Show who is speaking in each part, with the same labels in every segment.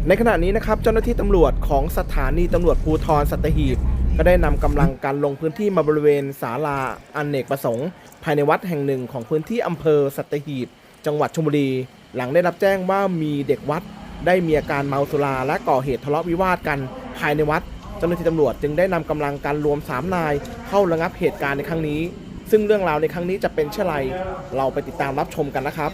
Speaker 1: ในขณะนี้นะครับเจ้าหน้าที่ตำรวจของสถานีตำรวจภูธรสัตหีบก็ได้นำกำลังการลงพื้นที่มาบริเวณศาลาอเนกประสงค์ภายในวัดแห่งหนึ่งของพื้นที่อำเภอสัตหีบจังหวัดชลบุรีหลังได้รับแจ้งว่ามีเด็กวัดได้มีอาการเมาสุราและก่อเหตุทะเลาะวิวาทกันภายในวัดเจ้าหน้าที่ตำรวจจึงได้นำกำลังการรวม3นายเข้าระงับเหตุการณ์ในครั้งนี้ซึ่งเรื่องราวในครั้งนี้จะเป็นเช่นไรเราไปติดตามรับชมกันนะครับ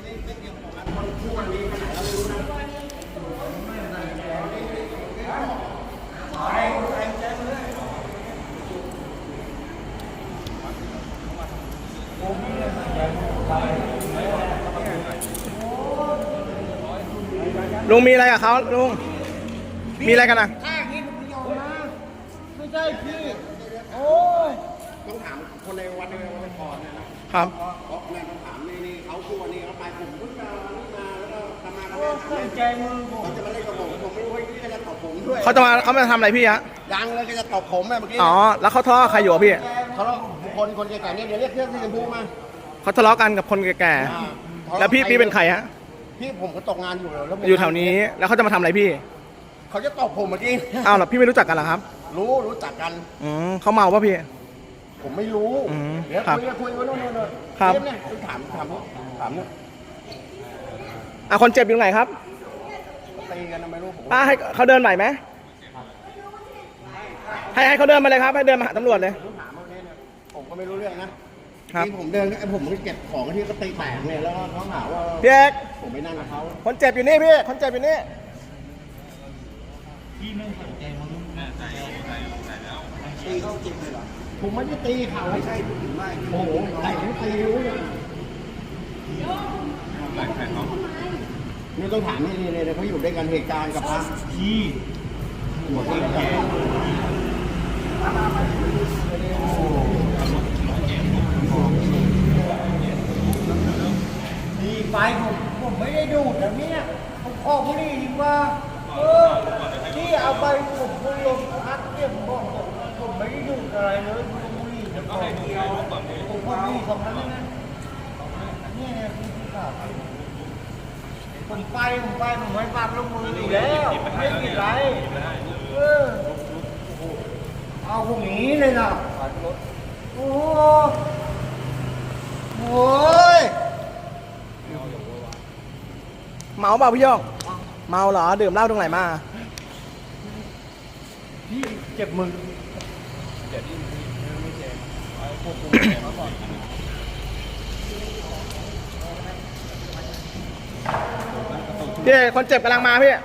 Speaker 1: ลุงมีอะไรกับเขาลุงมีอะไรกันนะ
Speaker 2: ข้าคิดประโยชน์นะไม่ใช่พี่โอ้
Speaker 3: ต้องถามคนในวัดในวันก่อนเนี่ยนะครับเพราะแม่ต้องถามนี่เขาคู่วันนี้เขาไปผมพุ่งมานี่มาแล้วก็ทำมาทำมา
Speaker 2: ตั้งใจมือผม
Speaker 3: เขาจะมาเล่นกับผมไม่รู้ว่าพี่จะตบผมด้วย
Speaker 1: เขามาทำอะไรพี่ฮะ
Speaker 3: ดังเลยก็จะตบผมเมื่อกี้
Speaker 1: อ๋อแล้วเขาทะเลาะใครอยู่พี่
Speaker 3: ทะเลาะคนแก่ๆเนี่ยเดี๋ยวเรียกเครื่องที่จะพูมา
Speaker 1: เขาทะเลาะกันกับคนแก่ๆแล้วพี่เป็นใครฮะ
Speaker 3: พี่ผมก็ตกงานอยู่แล้ว
Speaker 1: อยู่แถวนี้แล้วเขาจะมาทำอะไรพี่
Speaker 3: เขาจะตบผมเมื่อกี้
Speaker 1: อ้าวเหรอพี่ไม่รู้จักกันเหรอครับ
Speaker 3: รู้จักกัน
Speaker 1: เขาเมาป่ะพี่
Speaker 3: ผมไม่รู้เดี๋ยวคุยกันโน่น
Speaker 1: ครับ
Speaker 3: เนี่ยถามเนี่ย
Speaker 1: คนเจ็บอยู่ไหนครับ
Speaker 3: ตีกันไม่รู้ผม
Speaker 1: ให้เขาเดินไหวไหมให้เขาเดินมาเลยครับให้เดินมาหาตำรวจเลย
Speaker 3: ผมก็ไม่รู้เรื่องนะที่ผมเดินผมเก็บของที่ก็ตีแตกเนี่ยแล้วเขาหาว่า
Speaker 1: พี่เอก
Speaker 3: ผมไม่นั่งกับเขา
Speaker 1: คนเจ็บอยู่นี่พี่คนเจ็บอยู่นี่
Speaker 2: พี่ไม่สนใจมึง
Speaker 3: ตีเขาเจ็บเลยเหรอผมไม่ได้ตีเขาไม่ใช่ผมไม่โอ้โหแต่ผมตีรู้เลยนี่ต้องถามนี่เลยเขาอยู่ด้วยกันเหตุการณ์กับพระ
Speaker 2: พี่
Speaker 3: หัวที่แก่
Speaker 2: ดีไฟผมไม่ได้ดูดแต่เนี่ยผมขอบุหรี่ดีกว่าที่เอาไปผมคุณลงพักเนี่ยผมบอกผมไม่ได้ดูดอะไรเลยบุหรี่จะขอผมขอบุหรี่ของนั้นนะเนี่ยพี่ข่าวผมไม่ปัดลงมืออยู่แล้วไม่ผิดไรเอาพวกนี้เลยนะโอ้โห
Speaker 1: เมาเปล่าพี่โยงเมาเหรอดื่มเหล้าตรงไหนมา
Speaker 2: พี่เจ็บมือ
Speaker 1: พี่คนเจ็บกำลังมาพี่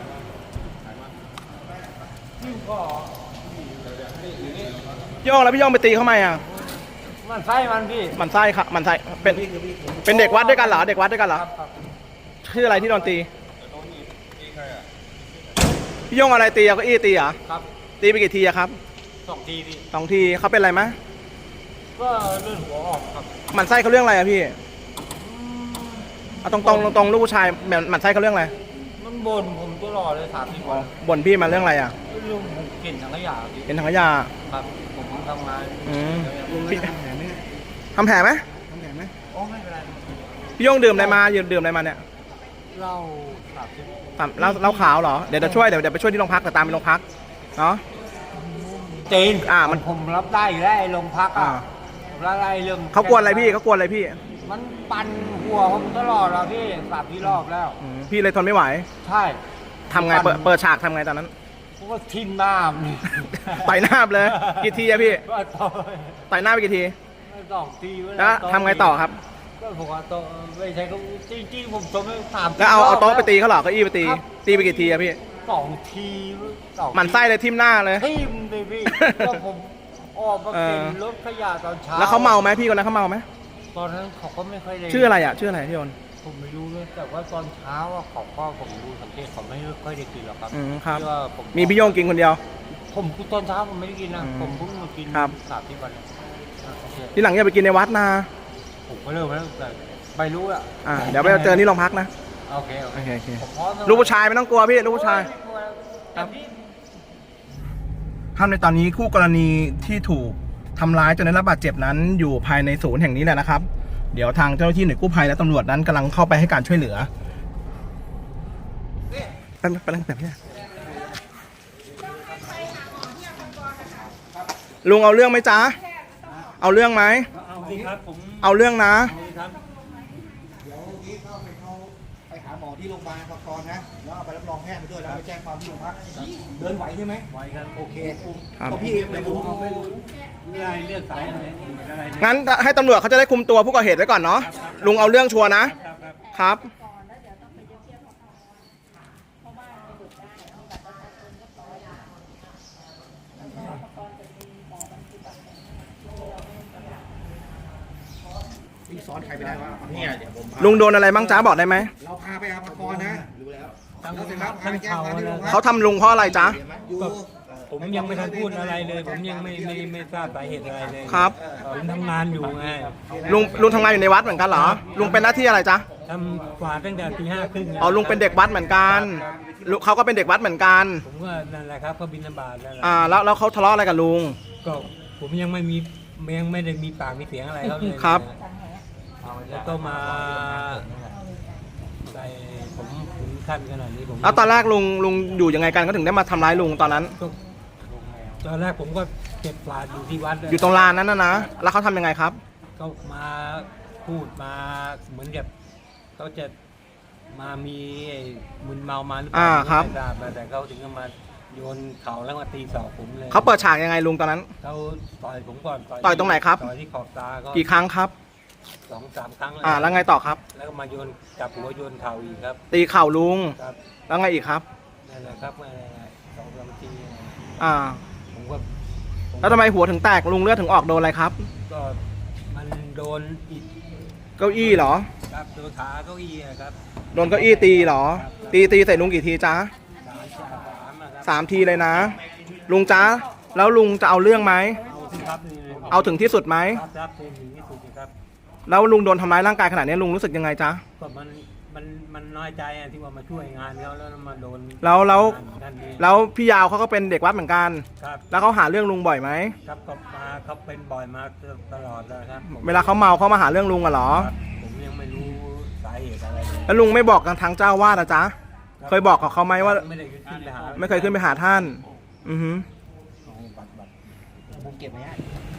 Speaker 1: โยงแล้วพี่โยงไปตีเขาไหมอ่ะ
Speaker 2: มันไส้มันพี่
Speaker 1: มันไส้ค่ะมันไส้เป็นเด็กวัดด้วยกันเหรอเด็กวัดด้วยกันเหรอชื่ออะไรที่โดนตีพี่โยงอะไรตีเอาเก้าอี้ตีเหรอ
Speaker 2: ครับ
Speaker 1: ตีไปกี่ทีอะครับ
Speaker 2: 2 ทีพี่
Speaker 1: 2 ทีเขาเป็นอะไรไหม
Speaker 2: ก็เลื่อนหัวออกครับ
Speaker 1: มันไส้เขาเรื่องอะไรอะพี่เอาตรงลูกผู้ชายมันไส้เขาเรื่องอะไร
Speaker 2: มันบ่นผมตลอดเลย30 วัน
Speaker 1: บ่นพี่มาเรื่องอะไรอะ
Speaker 2: เรื่องเกลิ่นถังขยะพี่
Speaker 1: เป็นถังขยะ
Speaker 2: ครับผมทำงาน
Speaker 1: พี่ทำแผลไหม
Speaker 2: โอ้ไม่เป็นไร
Speaker 1: พี่โยงดื่มอะไรมาดื่มอะไรมาเนี่ย
Speaker 2: เหล้า
Speaker 1: เหล้าขาวเหรอเดี๋ยวจะช่วยเดี๋ยวไปช่วยที่โรงพักแต่ตามไปโรงพักเนาะ
Speaker 2: จีนผมรับได้อยู่แล้วโรงพักรับได้เรื่อง
Speaker 1: เขากวนอะไรพี่
Speaker 2: มันปั่นหัวผมตลอดอะพี่3 รอบแล้ว
Speaker 1: พี่เลยทนไม่ไหว
Speaker 2: ใช่
Speaker 1: ทำไงเปิดฉากทำไงตอนนั้น
Speaker 2: ผมก็ทิ่มหน้า
Speaker 1: ต่อยหน้าเลยกี่ทีอะพี่ต่อยหน้าไปกี่ที
Speaker 2: 2 ที
Speaker 1: แล้วทำไงต่อครับ
Speaker 2: ก็ผมว่าโต๊ะไม่ใช่ก็จริงผมจมไม่3
Speaker 1: แล้วเอาโต๊ะไปตีเขาหรอเก้าอี้ไปตีไปกี่ทีอะพี่
Speaker 2: 2 ที
Speaker 1: มันไส้เลยทิ่มหน้าเลย
Speaker 2: ทิ่มเลยพี่ก็ผมออกมาเป็นรถขยะตอนเช้า
Speaker 1: แล้วเขาเมาไหมพี่คนนั้นเขาเมาไหม
Speaker 2: ตอนนั้นเขาก็ไม่ค่อยเลย
Speaker 1: ชื่ออะไรพี่โอน
Speaker 2: ผมไม่รู้เลยแต่ว่าตอนเช้าเขาก็ผมดูสังเกตเขาไม่ค่อยได้กินหรอกครับ
Speaker 1: ครับมีพี่โยงกินคนเดียว
Speaker 2: ผมตอนเช้าผมไม่ได้กินนะผมเพิ่งมากิน30 วัน
Speaker 1: ที่หลังอย่าไปกินในวัดนะ
Speaker 2: ผมก็เริ่มแล้วแต่ไม่รู้อ่ะ
Speaker 1: เดี๋ยวไปเจอที่โรงพักนะ
Speaker 2: โอเค
Speaker 1: ลูกผู้ชายไม่ต้องกลัวพี่ลูกผู้ชายท่านในตอนนี้คู่กรณีที่ถูกทำร้ายจนได้รับบาดเจ็บนั้นอยู่ภายในศูนย์แห่งนี้แหละนะครับเดี๋ยวทางเจ้าหน้าที่หน่วยกู้ภัยและตำรวจนั้นกำลังเข้าไปให้การช่วยเหลือป๊บแบบนี้ลุงเอาเรื่องไหมจ๊ะเอาเรื่องไหม
Speaker 2: เอาสิครับผม
Speaker 1: เอาเรื่องนะ
Speaker 2: ครับ
Speaker 3: เดี๋ยวนี้เข้าไปหาหมอที่โรงพยาบาลก่อนนะแล้วเอาไปรับรองแพทย์ไปด้วยแล้วไปแจ้งความที่โรงพักเดินไหวใช่ไหม
Speaker 2: ไว้ครับ
Speaker 3: โอเค
Speaker 1: ครับ
Speaker 3: เพราะพี่เดี๋ยวผม
Speaker 2: ไม่รู้อะไรเลือกสายอะไรอะไร
Speaker 1: งั้นให้ตำรวจเขาจะได้คุมตัวผู้ก่อเหตุไว้ก่อนเนาะลุงเอาเรื่องชัวร์นะครับ
Speaker 3: พี่ซ้อนใครไปได้บ้างเนี่ยเดี๋ยวผม
Speaker 1: ลุงโดนอะไรบ้างจ้าบอกได้ไหม
Speaker 3: เราพาไปอาภากรนะรู้แล้วแล้วเสร็จแล้วพา
Speaker 2: ทั้ง
Speaker 3: ไปแจ้ง
Speaker 2: เขา
Speaker 3: ความที่โรงพัก
Speaker 1: เขาทำลุงเพราะอะไรจ๊ะ
Speaker 3: อยู่
Speaker 2: ผมยังไม่ทันพูดอะไรเลย ผมยังไม่ทราบสาเหตุอะไรเลย
Speaker 1: ครับ
Speaker 2: ผมทำงานอยู่ไง
Speaker 1: ลุงทำงานอยู่ในวัดเหมือนกันเหรอลุงเป็นหน้าที่อะไรจ๊ะ
Speaker 2: ทำกวาดตั้งแต่ตี 5:30
Speaker 1: อ๋อลุงเป็นเด็กวัดเหมือนกันลุงเขาก็เป็นเด็กวัดเหมือนกัน
Speaker 2: ผมก็นั่นแหละครับก็บิณฑบาตนั่นแหละ
Speaker 1: แล้วเขาทะเลาะอะไรกับลุง
Speaker 2: ก็ผมยังไม่ได้มีปากมีเสียงอะไรเขาเลย
Speaker 1: ครับ
Speaker 2: แล้วก็มาใส่ผมถึงขั้นขนาดนี้ผม
Speaker 1: แล้วตอนแรกลุงอยู่ยังไงกันเขาถึงได้มาทำร้ายลุงตอนนั้น
Speaker 2: ก็ตอนแรกผมก็เก็บกวาดอยู่ที่วัด
Speaker 1: อยู่ตรงลานนั้นนะแล้วเขาทำยังไงครับ
Speaker 2: ก็มาพูดมาเหมือนกับเขาจะมามีไอ้มึนเมามาหรือเปล่า
Speaker 1: ครับ
Speaker 2: ไม่ทราบแต่เขาถึงก็มาโยนเข่าแล้วมาตีศอกผมเลย
Speaker 1: เขาเปิดฉากยังไงลุงตอนนั้น
Speaker 2: เขาต่อยผมก่อน
Speaker 1: ต่อยตรงไหนครับ
Speaker 2: ต่อยที่ขอบตาก็
Speaker 1: กี่ครั้งครับ
Speaker 2: 2-3 ครั้ง
Speaker 1: แล้วไงต่อครับ
Speaker 2: แล้วก็มาโยนจับหัวโยนเข่าอีกครับ
Speaker 1: ตีเข่าลุง
Speaker 2: ครับ
Speaker 1: แล้วไงอีกครับ
Speaker 2: นั่นแหละครับมา2-3 ที
Speaker 1: อ่า
Speaker 2: ผมก็
Speaker 1: แล้วทำไมหัวถึงแตกลุงเลือดถึงออกโดนอะไรครับ
Speaker 2: ก็มันโดนอิฐ
Speaker 1: เก้าอี้เหรอ
Speaker 2: ครับโดนขาเก้าอี้อะครับ
Speaker 1: โดนเก้าอี้ตีเหรอ ตีใส่ลุงกี่ทีจ๊ะ
Speaker 2: 3 อะครับ
Speaker 1: 3 ทีเลยนะ ลุงจ๊ะแล้วลุงจะเอาเรื่องไหม
Speaker 2: เอาสิครับนี่เลย
Speaker 1: เอาถึงที่สุดไหม
Speaker 2: ครับเป็นถึงที่สุดนะครับ
Speaker 1: แล้วลุงโดนทำร้ายร่างกายขนาดนี้ลุงรู้สึกยังไงจ๊ะ
Speaker 2: ก็มันน้อยใจอะที่ว่ามาช่วยงานเขาแล้วมาโดน
Speaker 1: แล้ว
Speaker 2: นั่นเอง
Speaker 1: แล้วพี่ยาวเขาก็เป็นเด็กวัดเหมือนกัน
Speaker 2: ครับ
Speaker 1: แล้วเขาหาเรื่องลุงบ่อยไหม
Speaker 2: ครับก็มาเขาเป็นบ่อยมาตลอดเลยครับผม
Speaker 1: เวลาเขาเมาเขามาหาเรื่องลุงอะเหรอ
Speaker 2: ครับผมยังไม่รู้สาเหตุอะไรเลย
Speaker 1: แล้วลุงไม่บอกกับทางเจ้าวาดอะจ๊ะ เคยบอกกับเขาไหมว่า
Speaker 2: ไม่ได้ขึ้นไปหา
Speaker 1: ไม่เคยขึ้นไปหาท่าน อือฮึ
Speaker 2: บัตร
Speaker 3: ผมเก็บไว้ให้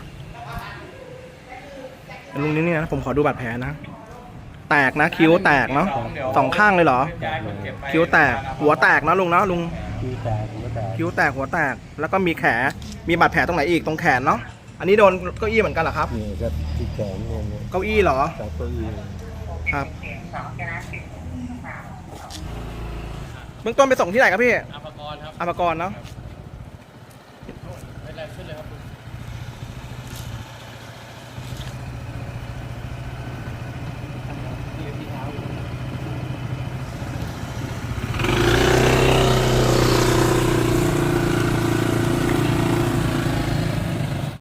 Speaker 1: ลุงนี่นะผมขอดูบาดแผลนะ แตกนะคิ้วแตกเนาะ2 ข้างเลยเหรอ คิ้วแตกหัวแตกนะลุงเนาะลุง
Speaker 2: คิ้วแตกหัวแตก
Speaker 1: คิ้วแตกหัวแตกแล้วก็มีมีบาดแผลตรงไหนอีกตรงแขนเนาะอันนี้โดนเก้าอี้เหมือนกันเหรอครับ
Speaker 2: นี่ก็ที่แขนเนี่ย
Speaker 1: เก้าอี้เหรอ
Speaker 2: จากเก้าอี้
Speaker 1: ครับเบื้องต้นไปส่งที่ไหนครับพี่
Speaker 4: อาภากรครับ
Speaker 1: อาภากรเนาะ
Speaker 4: เป็นไรขึ้นเลยครับ